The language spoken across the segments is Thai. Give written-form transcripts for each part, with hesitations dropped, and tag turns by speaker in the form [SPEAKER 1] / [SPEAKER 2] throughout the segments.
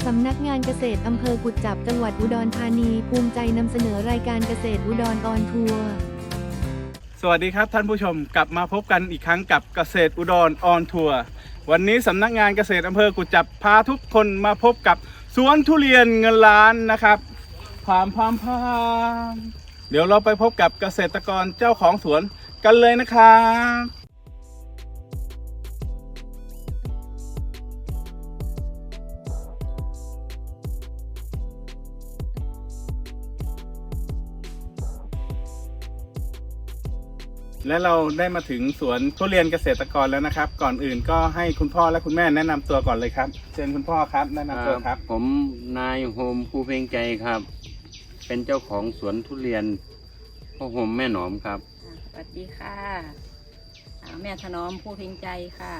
[SPEAKER 1] สำนักงานเกษตรอำเภอกุจจับจังหวัดอุดรธานีภูมิใจนำเสนอรายการเกษตรอุดรออนทัวร์
[SPEAKER 2] สวัสดีครับท่านผู้ชมกลับมาพบกันอีกครั้งกับเกษตรอุดรออนทัวร์วันนี้สำนักงานเกษตรอำเภอกุจจับพาทุกคนมาพบกับสวนทุเรียนเงินล้านนะครับพามเดี๋ยวเราไปพบกับเกษตรกรเจ้าของสวนกันเลยนะครับและเราได้มาถึงสวนทุเรียนเกษตรกรแล้วนะครับ ก่อนอื่นก็ให้คุณพ่อและคุณแม่แนะนำตัวก่อนเลยครับเชิญคุณพ่อครับแนะนำตัวครับ
[SPEAKER 3] ผมนายโฮมภูเพ็งใจครับ เป็นเจ้าของสวนทุเรียนพ่อโฮมแม่หนอมครับ
[SPEAKER 4] สวัสดีค่ะแม่ถนอมภูเพ็งใจค่ะ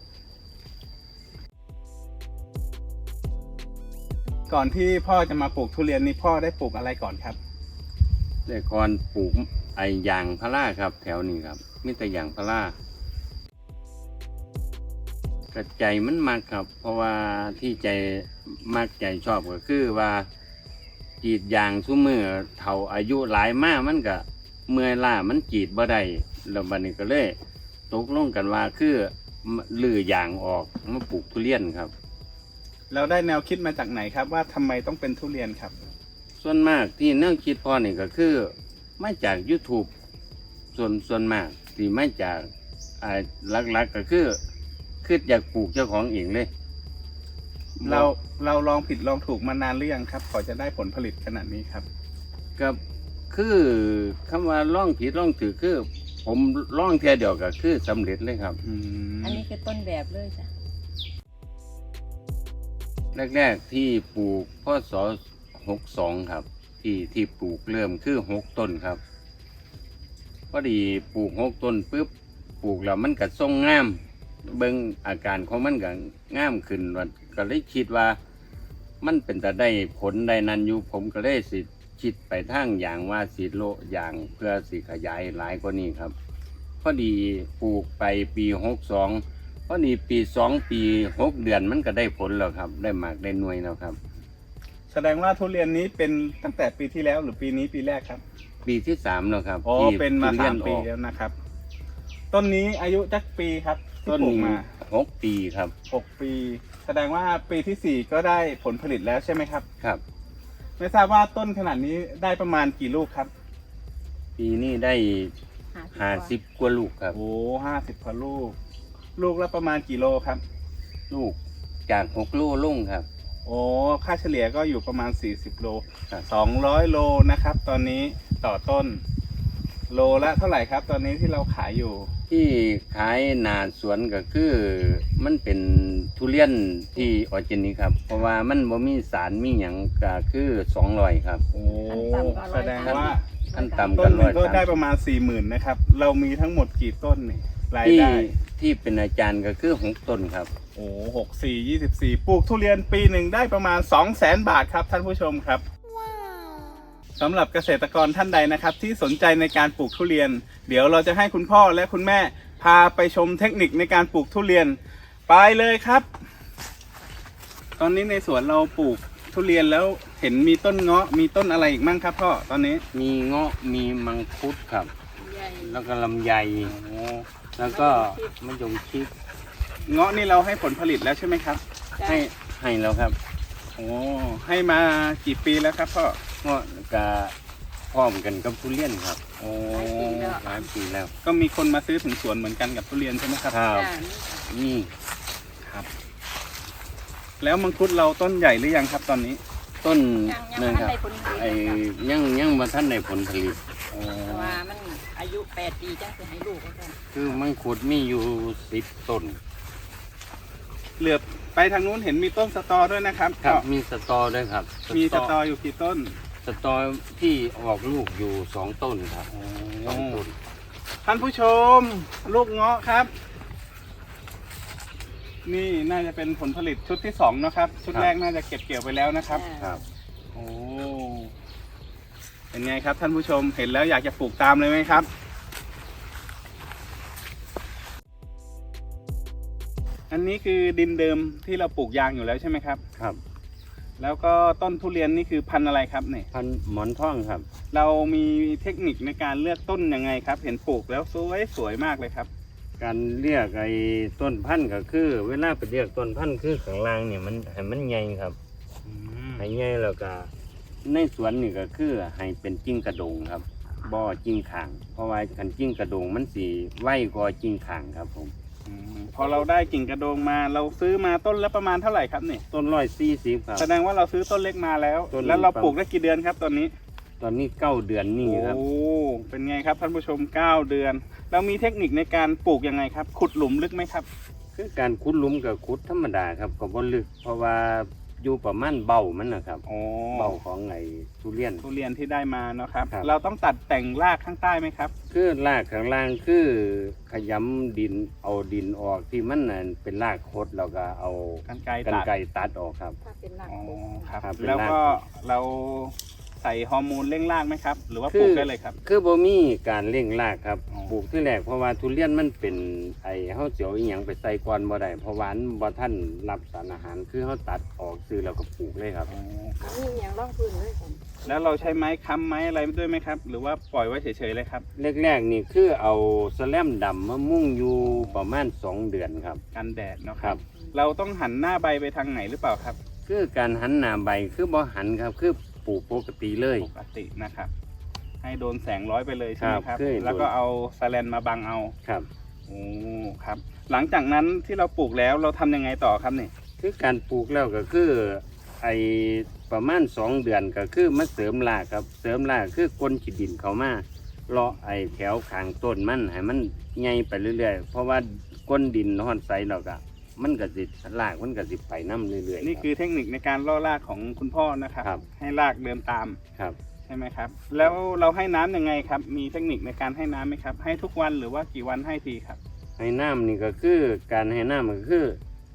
[SPEAKER 2] ก่อนที่พ่อจะมาปลูกทุเรียนนี่พ่อได้ปลูกอะไรก่อนครับ
[SPEAKER 3] แต่ก่อนปลูกยางพาราครับแถวนี้ครับมีแต่ยางพารากระใจมันมากครับ เพราะว่าที่ใจมากใจชอบก็คือว่ากรีดยางซุมือเท่าอายุหลายมากมันก็เมื่อยล้ามันกรีดบ่ได้แล้วบัดนี้ก็เลยตกลงกันว่าคือลื้อยางออกมาปลูกทุเรียนครับ
[SPEAKER 2] เราได้แนวคิดมาจากไหนครับว่าทำไมต้องเป็นทุเรียนครับ
[SPEAKER 3] ส่วนมากที่แนวคิดพ่อนี่ก็คือมาจาก YouTube ส่วนมากที่มาจากหลักๆก็คืออยากปลูกเจ้าของเองเลย
[SPEAKER 2] เราลองผิดลองถูกมานานหรือยังครับก่อนจะได้ผลผลิตขนาดนี้ครับ
[SPEAKER 3] ก็คือคำว่าล่องผิดล่องถือคือผมล่องเทียเดียวก็คือสำเร็จเลยครับ
[SPEAKER 4] อันนี้คือต้นแบบเลยจ้ะ
[SPEAKER 3] แรกๆที่ปลูกพศ62ครับที่ปลูกเริ่มคือ6ต้นครับพอดีปลูก6ต้นปุ๊บปลูกแล้วมันก็ทรงงามเบิ่งอาการของมันก็งามขึ้นก็เลยคิดว่ามันเป็นแต่ได้ผลได้นั้นอยู่ผมก็เลยสิคิดไปทางอย่างว่าสิโลอย่างเพื่อสิขยายหลายกว่านี้ครับพอดีปลูกไปปี62พอดีปี2ปี6เดือนมันก็ได้ผลแล้วครับได้หมากได้หน่วยแล้วครับ
[SPEAKER 2] แสดงว่าทุเรียนนี้เป็นตั้งแต่ปีที่แล้วหรือปีนี้ปีแรกครับ
[SPEAKER 3] ปีที่3แล้วครับ
[SPEAKER 2] อ๋อเป็นมา3 ปีแล้วนะครับต้นนี้อายุจักปีครับที่ปลูกมา
[SPEAKER 3] 6 ปีครับ
[SPEAKER 2] 6 ปีแสดงว่าปีที่4ก็ได้ผลผลิตแล้วใช่ไหมครับ
[SPEAKER 3] ครับ
[SPEAKER 2] ไม่ทราบว่าต้นขนาดนี้ได้ประมาณกี่ลูกครับ
[SPEAKER 3] ปีนี้ได้50 กว่าลูกครับ
[SPEAKER 2] โอ้50 กว่าลูกลูกละประมาณกี่โลครับ
[SPEAKER 3] ลูกจาก6 โลลงครับ
[SPEAKER 2] โอ้ค่าเฉลี่ยก็อยู่ประมาณ40 โล200 โลนะครับตอนนี้ต่อต้นโลละเท่าไหร่ครับตอนนี้ที่เราขายอยู่
[SPEAKER 3] ที่ขายหน้าสวนก็คือมันเป็นทุเรียนที่ออร์แกนิกครับเพราะว่ามันบ่มีสารมีหยังก็คือ200ครับ
[SPEAKER 2] โอ้แสดงว่า
[SPEAKER 3] ขั้นต่ำ
[SPEAKER 2] ต้นหนึ่งก็ได้ประมาณ 40,000 นะครับเรามีทั้งหมดกี่ต้นนี่รายได้
[SPEAKER 3] ที่เป็นอาจารย์ก็คือ6 ต้นครับ
[SPEAKER 2] โอ้64 24ปลูกทุเรียนปีหนึ่งได้ประมาณ 200,000 บาทครับท่านผู้ชมครับสำหรับเกษตรกรท่านใดนะครับที่สนใจในการปลูกทุเรียนเดี๋ยวเราจะให้คุณพ่อและคุณแม่พาไปชมเทคนิคในการปลูกทุเรียนไปเลยครับตอนนี้ในสวนเราปลูกทุเรียนแล้วเห็นมีต้นเงาะมีต้นอะไรอีกมั่งครับพ่อตอนนี้
[SPEAKER 3] มีเงาะมีมังคุดครับแล้วก็ลำไยแล้วก็มะยงชิด
[SPEAKER 2] เงาะนี่เราให้ผลผลิตแล้วใช่ไหมครับ
[SPEAKER 3] ให้แล้วครับ
[SPEAKER 2] โอ้ให้มากี่ปีแล้วครับพ่อ
[SPEAKER 3] เงาะก็พร้อมกันกับทุเรียนครับ
[SPEAKER 2] โอ้
[SPEAKER 3] หลายปีแล้ว
[SPEAKER 2] ก็มีคนมาซื้อถึงสวนเหมือนกันกับทุเรียนใช่ไหมครับ
[SPEAKER 3] ครับนี่
[SPEAKER 2] ครับแล้วมังคุดเราต้นใหญ่หรือยังครับตอนนี้
[SPEAKER 3] ต้นนั่นครับยังมาท่านในผลผลิต
[SPEAKER 4] ว่ามันอายุ8 ปีจังจะให้ลูกกัน
[SPEAKER 3] คือมังคุดมีอยู่10 ต้น
[SPEAKER 2] เหลือบไปทางนู้นเห็นมีต้นสตอด้วยนะครับ
[SPEAKER 3] ครับมีสตอด้วยครับ
[SPEAKER 2] มีสตออยู่กี่ต้น
[SPEAKER 3] สตอที่ออกลูกอยู่2 ต้นครับ2 ต้น
[SPEAKER 2] ท่านผู้ชมลูกเงาะครับนี่น่าจะเป็นผลผลิตชุดที่2นะครับชุดแรกน่าจะเก็บเกี่ยวไปแล้วนะครับ
[SPEAKER 3] ครับ
[SPEAKER 2] โอ้เป็นไงครับท่านผู้ชมเห็นแล้วอยากจะปลูกตามเลยไหมครับอันนี้คือดินเดิมที่เราปลูกยางอยู่แล้วใช่ไหมครับ
[SPEAKER 3] ครับ
[SPEAKER 2] แล้วก็ต้นทุเรียนนี่คือพันธุ์อะไรครับเนี่ย
[SPEAKER 3] พันธุ์หมอนทองครับ
[SPEAKER 2] เรามีเทคนิคในการเลือกต้นยังไงครับ เห็นปลูกแล้วสวยมากเลยครับ
[SPEAKER 3] การเรียกไอ้ต้นพันธุ์ก็คือ เวลาไปเรียกต้นพันธุ์คือข้างล่างเนี่ยมันให้มันใหญ่ครับให้ใหญ่แล้วก็ในสวนนี่ก็คือให้เป็นจิ้งกระโดงครับบ่จิ้งข่าง เพราะว่าคันจิ้งกระโดงมันสีไวกว่าจิ้งข่างครับผม
[SPEAKER 2] พอเราได้กิ่งกระโดงมาเราซื้อมาต้นละประมาณเท่าไหร่ครับเนี่ย
[SPEAKER 3] ต้น140ครับ
[SPEAKER 2] แสดงว่าเราซื้อต้นเล็กมาแล้ว
[SPEAKER 3] ต้น
[SPEAKER 2] แล้วเราปลูกได้กี่เดือนครับตอนนี้
[SPEAKER 3] ตอนนี้9 เดือนนี่ครับ
[SPEAKER 2] โอ้เป็นไงครับท่านผู้ชม9 เดือนเรามีเทคนิคในการปลูกยังไงครับ ขุดหลุมลึกไหมครับ
[SPEAKER 3] คือการขุดหลุมกับขุดธรรมดาครับก็บ่ลึก เพราะว่าอยู่ประมาณเบ้ามันนะครับ
[SPEAKER 2] โอ้
[SPEAKER 3] เบ้าของไอ้ทุเรียน
[SPEAKER 2] ทุเรียนที่ได้มาเนาะครับ
[SPEAKER 3] ครับ
[SPEAKER 2] เราต้องตัดแต่งรากข้างใต้ไหมครับ
[SPEAKER 3] คือรากข้างล่างคือขยำดินเอาดินออกที่มันน่ะเป็นรากคดแล้วก็เอา
[SPEAKER 2] กรรไกร
[SPEAKER 3] กรร
[SPEAKER 2] ตัด
[SPEAKER 3] ไกรตัดออกครับ
[SPEAKER 4] ถ้าเป็นหลัก
[SPEAKER 2] อ๋อ
[SPEAKER 4] ปลูก
[SPEAKER 2] ครับ
[SPEAKER 3] ครับเป็น
[SPEAKER 2] แล้ว
[SPEAKER 3] ราก
[SPEAKER 2] ก็เราใส่ฮอร์โมนเร่งรากไหมครับ หรือว่าป
[SPEAKER 3] คื
[SPEAKER 2] ลู
[SPEAKER 3] อ
[SPEAKER 2] กได้เลยครับ
[SPEAKER 3] คือบ่มีการเร่งรากครับ
[SPEAKER 2] อ๋อ
[SPEAKER 3] ปลูกที่แรกเพราะว่าทุเรียนมันเป็นไอ้เฮาเสียวอีหยังไปใส่ก่อนบ่ได้เพราะว่ามันบ่ทันรับสารอาหารคือเฮาตัดออกซื้อแล้วก็ปลูกเลยครับ
[SPEAKER 2] อ๋อ
[SPEAKER 4] นี่อย่างร่องพื้นเลยผม
[SPEAKER 2] แล้วเราใช้ไม้ค้ำไม้อะไรด้วยไหมครับ หรือว่าปล่อยไว้เฉยๆเลยครับ
[SPEAKER 3] แรกๆนี่คือเอาแสแลมดำมามุ่งอยู่ประมาณ2 เดือนครับ
[SPEAKER 2] กันแดดเนาะค
[SPEAKER 3] ครั
[SPEAKER 2] รับ บ เราต้องหันหน้าใบไปทางไหนหรือเปล่าครับ
[SPEAKER 3] คือการหันหน้าใบคือบ่หันครับคือปลูกปกติเลย
[SPEAKER 2] ปกตินะครับ ให้โดนแสงร้อยไปเลยใช่ไหม
[SPEAKER 3] ครับ
[SPEAKER 2] ครับ
[SPEAKER 3] คือ
[SPEAKER 2] แล้วก็เอาสแลนมาบังเอา
[SPEAKER 3] ครับ
[SPEAKER 2] โอ้ครับ หลังจากนั้นที่เราปลูกแล้วเราทำยังไงต่อครับเนี่ย
[SPEAKER 3] คือการปลูกแล้วก็คือไอประมาณ2 เดือนก็คือมาเสริมรากครับ เสริมรากคือกลนขีดดินเขามาเลาะไอแถวข้างต้นมันให้มันใหญ่ไปเรื่อยๆ เพราะว่าก้นดินห่อนใสเราก็มันก็สิรากมันก็สิไปน้ำเรื่อยๆ
[SPEAKER 2] นี่คือเทคนิคในการล่อรากของคุณพ่อนะครับ
[SPEAKER 3] ครับ
[SPEAKER 2] ให้รากเดินตาม
[SPEAKER 3] ครับ
[SPEAKER 2] ใช่ไหมครับ แล้วเราให้น้ำยังไงครับ มีเทคนิคในการให้น้ำไหมครับ ให้ทุกวันหรือว่ากี่วันให้ทีครับ
[SPEAKER 3] ให้น้ำนี่ก็คือการให้น้ำก็คือ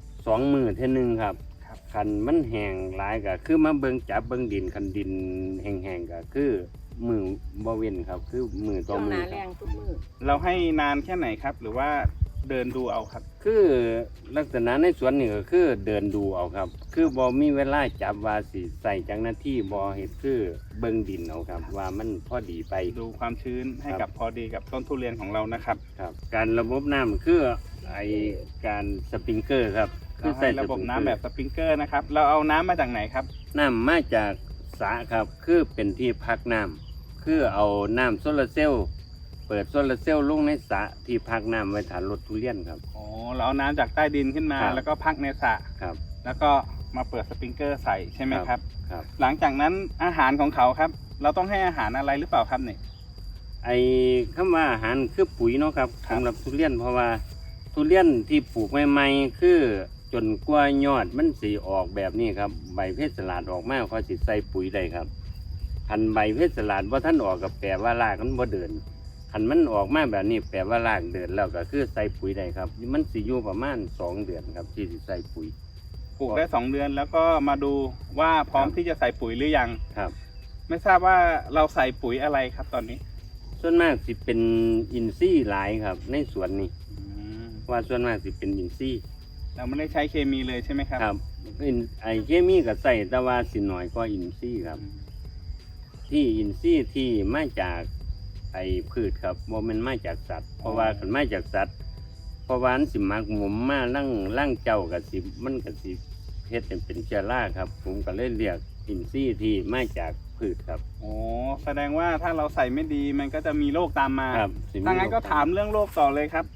[SPEAKER 3] 2 มื้อเท่านึงครับ
[SPEAKER 2] ครับ
[SPEAKER 3] คันมันแห้งหลายก็คือมาเบิ่งจับเบิ่งดินคันดินแห้งๆก็คือมือบ่เว้นครับ คือมือต่
[SPEAKER 4] ช่
[SPEAKER 3] อ
[SPEAKER 4] วง
[SPEAKER 3] มื
[SPEAKER 4] ห
[SPEAKER 3] อ
[SPEAKER 4] นา
[SPEAKER 3] ค
[SPEAKER 4] แร
[SPEAKER 3] รับ
[SPEAKER 4] งทุกมือ
[SPEAKER 2] เราให้นานแค่ไหนครับ หรือว่าเดินดูเอาครับ
[SPEAKER 3] คือลักษณะในสวนนี่ก็คือเดินดูเอาครับ คือบ่มีเวลาจับว่าสิใส่จังหน้าที่บ่เฮ็ดคือเบิ่งดินเอาครับ ว่ามันพอดีไป
[SPEAKER 2] ดูความชื้นให้
[SPEAKER 3] ครั
[SPEAKER 2] กับบ พอดีกับต้นทุเรียนของเรานะครับ
[SPEAKER 3] ครับ การระบบน้ำคือไอการสปริงเกอร์ครับ
[SPEAKER 2] เราให้ระบบน้ำแบบสปริงเกอร์นะครับ เราเอาน้ำมาจากไหนครับ
[SPEAKER 3] น้ำมาจากสระครับ คือเป็นที่พักน้ำคือเอาน้ำโซลาร์เซลล์เปิดโซลาร์เซลล์ลงในสระที่พักน้ำไว้ฐานรถทุเรียนครับ
[SPEAKER 2] อ๋อ เราเอาน้ำจากใต้ดินขึ้นมา
[SPEAKER 3] ครับ
[SPEAKER 2] แล้วก็พักในสระ
[SPEAKER 3] ครับ
[SPEAKER 2] แล้วก็มาเปิดสปริงเกอร์ใส่ใช่ไหมครับ
[SPEAKER 3] ครับ
[SPEAKER 2] หลังจากนั้นอาหารของเขาครับ เราต้องให้อาหารอะไรหรือเปล่าครับเนี่ย
[SPEAKER 3] ไอ้คำว่าอาหารคือปุ๋ยเนาะครับ
[SPEAKER 2] ครับ
[SPEAKER 3] สำหรับทุเรียนเพราะว่าทุเรียนที่ปลูกใหม่ๆคือจนกว่ายอดมันสีออกแบบนี้ครับใบเพชรสลัดออกมาเขาสิใส่ปุ๋ยได้ครับคันใบเพชรสลัดว่าท่านออกกับแปลว่ารากมันบ่เดินคันมันออกมาแบบนี้แปลว่ารากเดินแล้วก็คือใส่ปุ๋ยได้ครับ มันสิอยู่ประมาณ2 เดือนครับที่สิใส่ปุ๋ย
[SPEAKER 2] ปลูกได้2 เดือนแล้วก็มาดูว่าพร้อม
[SPEAKER 3] ครับ
[SPEAKER 2] ที่จะใส่ปุ๋ยหรือยัง
[SPEAKER 3] ครับ
[SPEAKER 2] ไม่ทราบว่าเราใส่ปุ๋ยอะไรครับตอนนี้
[SPEAKER 3] ส่วนมากสิเป็นอินทรีย์หลายครับ ในสวนนี้ว่าส่วนมากสิเป็นอินทรีย์
[SPEAKER 2] เราไม่ได้ใช้เคมีเลยใช่ไหมครับ
[SPEAKER 3] ครับไอเคมีก็ใส่แต่ว่าสิหน่อยกว่าอินทรีย์ครับ ที่อินทรีย์ที่มาจากไอพืชครับบ่แม่นมาจากสัตว์ เพราะว่าคันมาจากสัตว์เพราะว่ามันสิมักหมมมาล่างเจ้ากับสิมันก็สิเฮ็ดให้เป็นเชื้อราครับ ผมก็เลยเรียกอินทรีย์ที่มาจากพืชครับ
[SPEAKER 2] โอ้แสดงว่าถ้าเราใส่ไม่ดีมันก็จะมีโรคตามมา
[SPEAKER 3] ครับสิมี
[SPEAKER 2] ถ้างั้นก็ถามเรื่องโรคต่อเลยครับ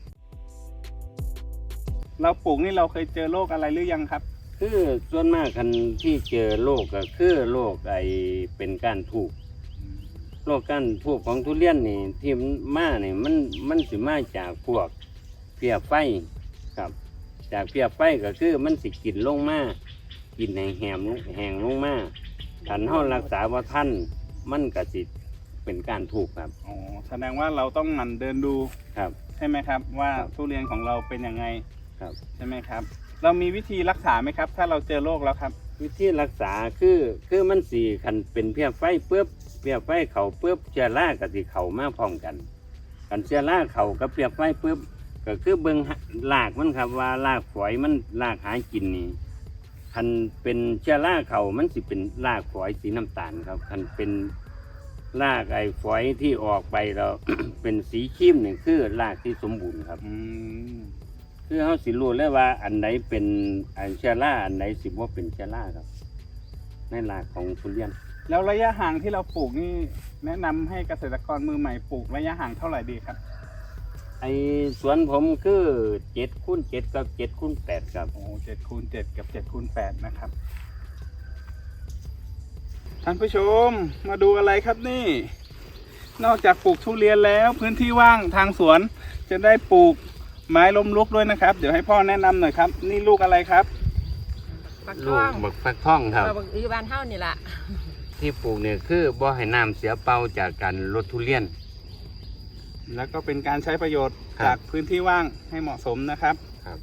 [SPEAKER 2] เราปลูกนี่เราเคยเจอโรคอะไรหรือยังครับ
[SPEAKER 3] คือส่วนมากคันที่เจอโรคก็คือโรคไอเป็นก้านทูบโรคก้านทูบของทุเรียนนี่ที่มันมานี่มันสิมาจากพวกเพี้ยไฟครับ จากเพี้ยไฟก็คือมันสิกินลงมากินแห้งลงมาคันเฮารักษาบ่ทันมันก็สิเป็นก้านทูบครับ
[SPEAKER 2] อ๋อแสดงว่าเราต้องหมั่นเดินดู
[SPEAKER 3] ครับ
[SPEAKER 2] ใช่ไหมครับ ว่า
[SPEAKER 3] ครับ
[SPEAKER 2] ทุเรียนของเราเป็นยังไง
[SPEAKER 3] ครับ
[SPEAKER 2] ใช่ไหมครับ เรามีวิธีรักษาไหมครับ ถ้าเราเจอโรคแล้วครับ
[SPEAKER 3] วิธีรักษาคือมันสีคันเป็นเพี้ยไฟปุ๊บเพี้ยไฟเขาปุ๊บเชื้อรากับสิเขามาพร้อมกันกันเชื้อราเขากับเพี้ยไฟปุ๊บก็คือเบิ่งรากมันครับว่ารากฝอยมันรากหากินนี่คันเป็นเชื้อราเขามันสิเป็นรากฝอยสีน้ำตาลครับคันเป็นรากไอ้ฝอยที่ออกไปแล้ว เป็นสีครีมนี่คือรากที่สมบูรณ์ครับ คือเขาสิรู้เลยว่าอันไหนเป็นอันเชื้อราอันไหนสิบ่เป็นเชื้อราครับในรากของทุเรียน
[SPEAKER 2] แล้วระยะห่างที่เราปลูกนี่แนะนำให้เกษตรกรมือใหม่ปลูกระยะห่างเท่าไหร่ดีครับ
[SPEAKER 3] ไอ้สวนผมคือ7x7กับ7x8ครับ
[SPEAKER 2] โอ้7x7กับ7x8นะครับท่านผู้ชมมาดูอะไรครับนี่ นอกจากปลูกทุเรียนแล้วพื้นที่ว่างทางสวนจะได้ปลูกไม้ล้มลุกด้วยนะครับ เดี๋ยวให้พ่อแนะนำหน่อยครับ นี่ลูกอะไรครับ
[SPEAKER 4] ปัก
[SPEAKER 3] ลู
[SPEAKER 4] ท่
[SPEAKER 3] ก
[SPEAKER 4] อง
[SPEAKER 3] บักฟักทองครับ
[SPEAKER 4] บักอีบานเท่านี่แหละ
[SPEAKER 3] ที่ปลูกเนี่ยคือบ่ให้น้ำเสียเปล่าจากการลดทุเรียน
[SPEAKER 2] แล้วก็เป็นการใช้ประโยชน์
[SPEAKER 3] ครับ
[SPEAKER 2] จากพื้นที่ว่างให้เหมาะสมนะครับ
[SPEAKER 3] ครับ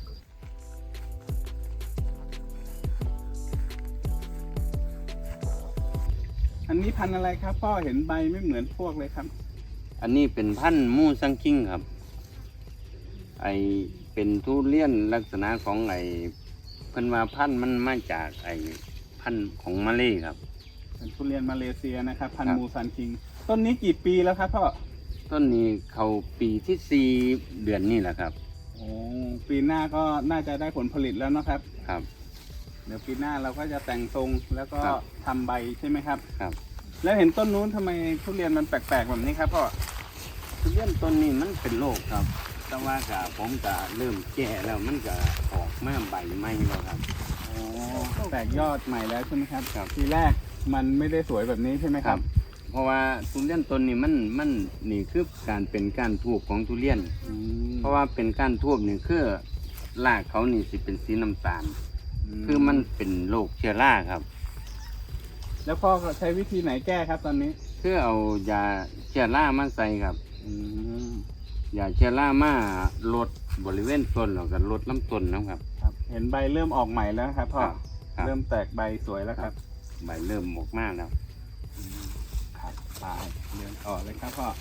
[SPEAKER 2] อันนี้พันธุ์อะไรครับพ่อเห็นใบไม่เหมือนพวกเลยครับ
[SPEAKER 3] อันนี้เป็นพันธุ์มูซังคิงครับไอเป็นทุเรียนลักษณะของไอเพิ่นว่าพันธุ์มันมาจากไอพันธุ์ของมาเลครับ
[SPEAKER 2] เป็นทุเรียนมาเลเซียนะครับ พัน
[SPEAKER 3] ครั
[SPEAKER 2] ธุ์
[SPEAKER 3] บ
[SPEAKER 2] มูซันคิงต้นนี้กี่ปีแล้วครับพ่อ
[SPEAKER 3] ต้นนี้เขาปีที่4 เดือนนี่แหละครับ
[SPEAKER 2] โอ้ปีหน้าก็น่าจะได้ผลผลิตแล้วนะครับ
[SPEAKER 3] ครับ
[SPEAKER 2] เดี๋ยวปีหน้าเราก็จะแต่งทรงแล้วก็
[SPEAKER 3] ครับ
[SPEAKER 2] ทำใบใช่ไหมครับ
[SPEAKER 3] ครับ
[SPEAKER 2] แล้วเห็นต้นนู้นทำไมทุเรียนมันแปลกๆแบบนี้ครับพ่อ
[SPEAKER 3] ทุเรียนต้นนี้มันเป็นโรคครับ แต่ว่าก็ผมก็เริ่มแก่แล้วมันก็ออกมาใบใหม่แล้วครับ
[SPEAKER 2] โอ้แตกยอดใหม่แล้วใช่ไหมครับ
[SPEAKER 3] ครับ
[SPEAKER 2] ทีแรกมันไม่ได้สวยแบบนี้ใช่ไหมครับ
[SPEAKER 3] เพราะว่าทุเรียนต้นนี้มันนี่คือการเป็นก้านทูบของทุเรียน เพราะว่าเป็นก้านทูบนี่คือรากเขานี่สิเป็นสีน้ำตาล คือมันเป็นโรคเชื้อราครับ
[SPEAKER 2] แล้วพ่อก็ใช้วิธีไหนแก้ครับตอนนี้
[SPEAKER 3] คือเอายาเชื้อรามาใส่ครับ
[SPEAKER 2] อืม
[SPEAKER 3] ยาเชื้อรามาลดบริเวณต้นแล้วก็ลดลำต้นนะครับ
[SPEAKER 2] ครับเห็นใบเริ่มออกใหม่แล้วครับพ่อ
[SPEAKER 3] ครับ
[SPEAKER 2] เริ่มแตกใบสวยแล้วครับ
[SPEAKER 3] ใบเริ่มออกมาแล้ว
[SPEAKER 2] ครับไปเดินต่อเลยครับพ่อ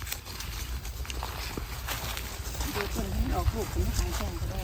[SPEAKER 4] ดูคนที่ออกลูกเป็นทางแข่งก็ได้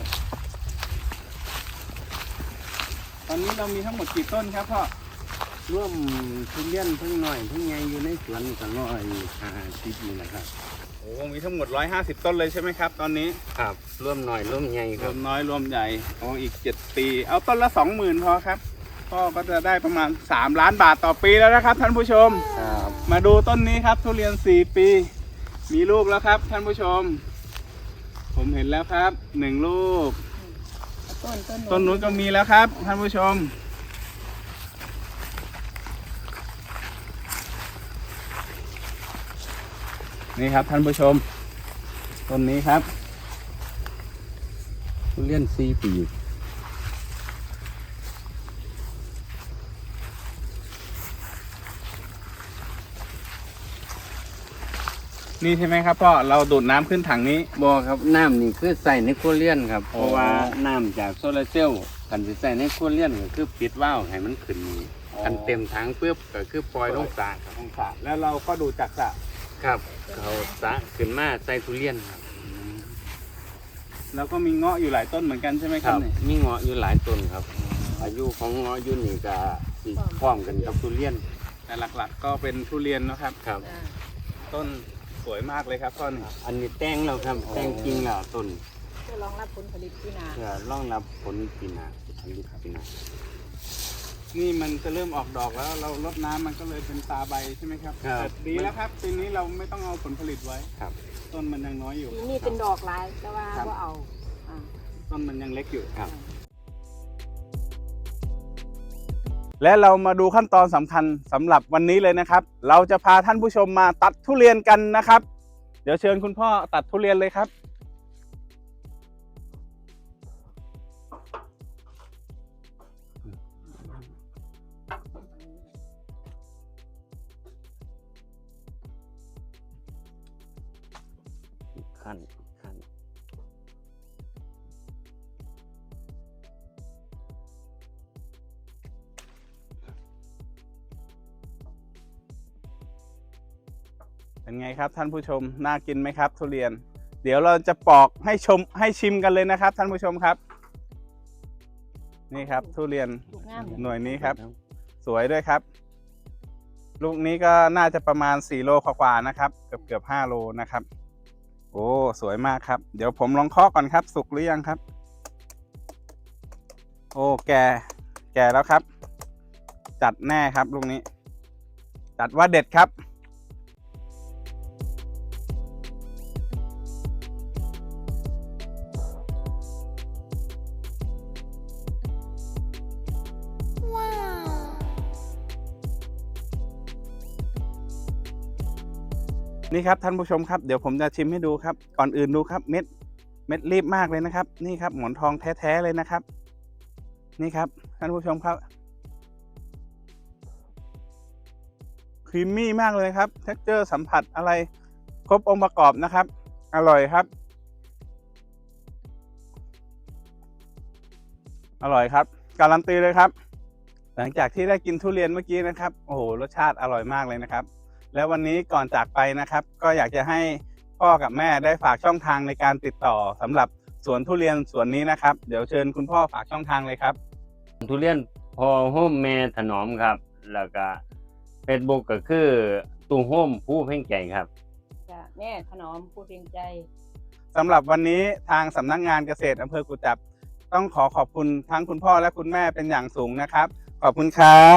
[SPEAKER 2] ตอนนี้เรามีทั้งหมดกี่ต้นครับพ่อ
[SPEAKER 3] ร่วมทุเรียนทั้งหน่อยทั้งใหญ่อยู่ในสวนก็150นี่แหละครับ
[SPEAKER 2] โอ้มีทั้งหมด150ต้นเลยใช่ไหมครับ ตอนนี้
[SPEAKER 3] ครับร่วมหน่อยร่วมใหญ่
[SPEAKER 2] ร
[SPEAKER 3] ครั
[SPEAKER 2] ว
[SPEAKER 3] บ
[SPEAKER 2] มน้อยรวมใหญ่โอ้อีก7 ปีเอาต้นละ20,000พอครับพ่อก็จะได้ประมาณ3 ล้านบาทต่อปีแล้วนะครับ ท่านผู้ชม
[SPEAKER 3] ครับ
[SPEAKER 2] มาดูต้นนี้ครับทุเรียน4 ปี มีลูกแล้วครับ ท่านผู้ชม ผมเห็นแล้วครับ1 ลูก ต้นนู้นก็มีแล้วครับ ท่านผู้ชม นี่ครับท่านผู้ชม ต้นนี้ครับ
[SPEAKER 3] ทุเรียน4 ปี
[SPEAKER 2] นี่ใช่ไหมครับพ่อเราดูดน้ำขึ้นถังนี้
[SPEAKER 3] บ่ครับน้ำนี่คือใส่ในครัวเรือนครับ
[SPEAKER 2] โอ้
[SPEAKER 3] เพราะว่าน้ำจากโซลาร์เซลล์กันสิใส่ในครัวเรือนก็คือปิดวาล์วให้มันขึ้นนี่กันเต็มถังปุ๊บก็คือปล่อยลงสระครับ
[SPEAKER 2] องศาแล้วเราก็ดูดจากสระ
[SPEAKER 3] ครับเขาสระขึ้นมาใส่ทุเรียนครับ
[SPEAKER 2] แล้วก็มีเงาะอยู่หลายต้นเหมือนกันใช่ไหมครับเนี่ย
[SPEAKER 3] มีเงาะอยู่หลายต้นครับ อายุของเงาะอยู่นี่ก็สิพร้อมกันกับทุเรียน
[SPEAKER 2] แต่หลักๆก็เป็นทุเรียนนะครับ
[SPEAKER 3] ครับ
[SPEAKER 2] ต้นสวยมากเลยครับต้นนี้
[SPEAKER 3] อันนี้แต่งแล้วครับแต่งจริงแล้วต้น
[SPEAKER 4] เพื่อรองรับผลผลิตที่นา
[SPEAKER 3] เพื่อรองรับผลปีหน้าผลิตปีหน้า
[SPEAKER 2] นี่มันจะเริ่มออกดอกแล้วเราลดน้ำมันก็เลยเป็นตาใบใช่ไหมครับ
[SPEAKER 3] ครับ
[SPEAKER 2] แต่ดีแล้วครับปีนี้เราไม่ต้องเอาผลผลิตไว้
[SPEAKER 3] ครับ
[SPEAKER 2] ต้นมันยังน้อยอยู่
[SPEAKER 4] ปีนี้เป็นดอกหลายแต่ว่า
[SPEAKER 2] ครับ
[SPEAKER 4] ก็เอาอ่า
[SPEAKER 2] ต้นมันยังเล็กอยู่
[SPEAKER 3] ครับ
[SPEAKER 2] และเรามาดูขั้นตอนสำคัญสำหรับวันนี้เลยนะครับ เราจะพาท่านผู้ชมมาตัดทุเรียนกันนะครับ เดี๋ยวเชิญคุณพ่อตัดทุเรียนเลยครับ
[SPEAKER 3] ขั้น
[SPEAKER 2] เป็นไงครับท่านผู้ชมน่ากินไหมครับทุเรียน เดี๋ยวเราจะปอกให้ชิมกันเลยนะครับ ท่านผู้ชมครับนี่ครับทุเรียน
[SPEAKER 4] ลูกงามเลย
[SPEAKER 2] หน่วยนี้ครับ สวยด้วยครับ ลูกนี้ก็น่าจะประมาณ4โลกว่าๆนะครับเกือบ5โลนะครับโอ้สวยมากครับเดี๋ยวผมลองเคาะก่อนครับสุกหรือยังครับโอ้แก่แล้วครับจัดแน่ครับลูกนี้จัดว่าเด็ดครับนี่ครับท่านผู้ชมครับเดี๋ยวผมจะชิมให้ดูครับก่อนอื่นดูครับเม็ดรีบมากเลยนะครับนี่ครับหมอนทองแท้ๆเลยนะครับนี่ครับท่านผู้ชมครับครีมมี่มากเลยครับเท็กเจอร์สัมผัสอะไรครบองค์ประกอบนะครับอร่อยครับอร่อยครับการันตีเลยครับหลังจากที่ได้กินทุเรียนเมื่อกี้นะครับโอ้โหรสชาติอร่อยมากเลยนะครับแล้ววันนี้ก่อนจากไปนะครับก็อยากจะให้พ่อกับแม่ได้ฝากช่องทางในการติดต่อสำหรับสวนทุเรียนสวนนี้นะครับเดี๋ยวเชิญคุณพ่อฝากช่องทางเลยครับ
[SPEAKER 3] ทุเรียนพอโฮมแม่ถนอมครับแล้วก็ Facebook ก็คือตู้โฮมผู้เพ่งใจครับ
[SPEAKER 4] จ้ะแม่ถนอมผู้เพียงใจ
[SPEAKER 2] สำหรับวันนี้ทางสำนักงานเกษตรอำเภอกุจจับต้องขอบคุณทั้งคุณพ่อและคุณแม่เป็นอย่างสูงนะครับขอบคุณครับ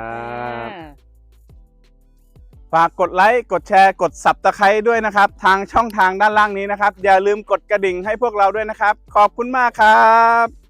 [SPEAKER 2] ฝากกดไลค์กดแชร์กด Subscribe ด้วยนะครับทางช่องทางด้านล่างนี้นะครับอย่าลืมกดกระดิ่งให้พวกเราด้วยนะครับขอบคุณมากครับ